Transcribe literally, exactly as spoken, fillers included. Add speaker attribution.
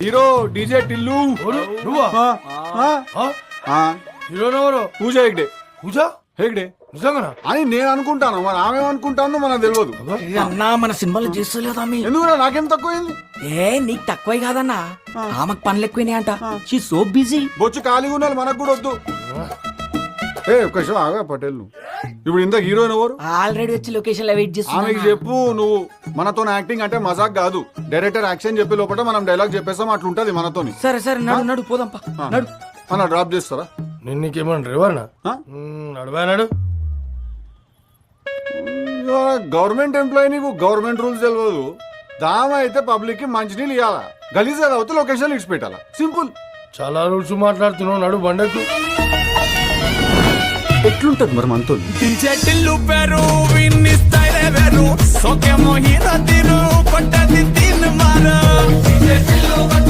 Speaker 1: Hero DJ Tillu
Speaker 2: నువ్వా హీరోనెవరు?
Speaker 1: పూజ హెగ్డే.
Speaker 2: పూజ
Speaker 1: హెగ్డే
Speaker 2: నిజంగా
Speaker 1: అని నేను అనుకుంటాను, మరి ఆమె అనుకుంటాను మనకు తెలియదు.
Speaker 3: అన్నా మన సినిమాలో చేస్తలేదా మీ
Speaker 1: ఎందుకు నాకేం తక్కువైంది?
Speaker 3: ఏ నీకు తక్కువే కాదన్నా, ఆమెకు పనులు ఎక్కువనే అంట. She so busy.
Speaker 1: బొచ్చు ఖాళీగా ఉండాలి, మనకు కూడా వద్దు. ఏ ఒక్క నిమిషం ఆగా పటేల్, నువ్వు ఇప్పుడు ఇంత హీరోయిన్ ఎవరు?
Speaker 3: ఆల్రెడీ వచ్చి లొకేషన్ లో వెయిట్ చేస్తున్నా.
Speaker 1: ఆమెకి చెప్పు, నువ్వు మనతో యాక్టింగ్ అంటే మజాక్ కాదు, డైరెక్టర్ యాక్షన్ చెప్పే లోపల మనం డైలాగ్ చెప్పేస్తాం, అట్లుంటది మనతోని.
Speaker 3: సరే సరే నడు నడు పోదాంపా నడు.
Speaker 1: మన డ్రాప్ చేస్తారా?
Speaker 2: నేను నీకేమన్నా డ్రైవర్నా? నడవానాడు
Speaker 1: గవర్నమెంట్ ఎంప్లాయీ, నీకు గవర్నమెంట్ రూల్స్ తెలియదు. దామ అయితే పబ్లిక్ కి మంచినీళ్ళు ఇవ్వాలా, గలీజ్ అవుతే లొకేషన్ ఇచ్చి పెట్టాలా, సింపుల్.
Speaker 2: చాలా రూల్స్ మాట్లాడుతున్నావు, నడు బండకు.
Speaker 1: ఎట్లుంటది మరి మనతో?
Speaker 4: టిల్లు పేరు విన్ని స్టైల్ వేరు, సోకేమో హీరో తీరు కొట్టది తీన్ మారు.